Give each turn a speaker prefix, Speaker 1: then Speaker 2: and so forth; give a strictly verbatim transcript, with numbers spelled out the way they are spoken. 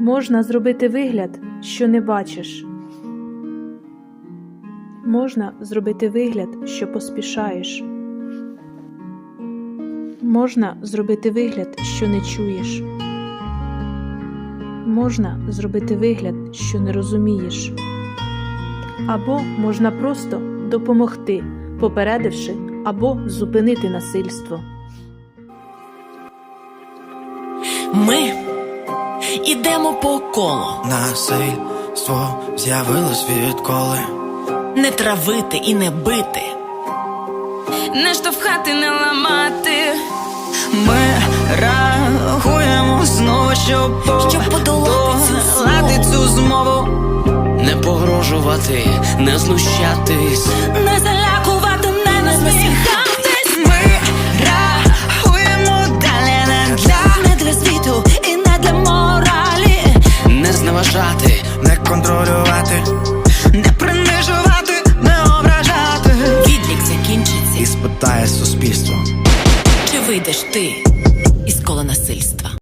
Speaker 1: Можна зробити вигляд, що не бачиш. Можна зробити вигляд, що поспішаєш. Можна зробити вигляд, що не чуєш. Можна зробити вигляд, що не розумієш. Або можна просто допомогти, попередивши або зупинити насильство.
Speaker 2: Ми ідемо по колу.
Speaker 3: Насильство з'явилось відколи.
Speaker 2: Не травити і не бити,
Speaker 4: не штовхати, не ламати.
Speaker 3: Ми рахуємо знову, щоб,
Speaker 2: щоб подолати цю
Speaker 3: подолати цю змову.
Speaker 5: Не погрожувати, не знущатись,
Speaker 2: не залякувати, не насміхатись.
Speaker 3: Ми рахуємо далі не для,
Speaker 2: Не для світу і не для моралі.
Speaker 5: не зневажати,
Speaker 3: не контролювати, не принижувати, не ображати.
Speaker 2: Відлік закінчиться.
Speaker 3: І спитає суспільство.
Speaker 2: Чи вийдеш ти із кола насильства?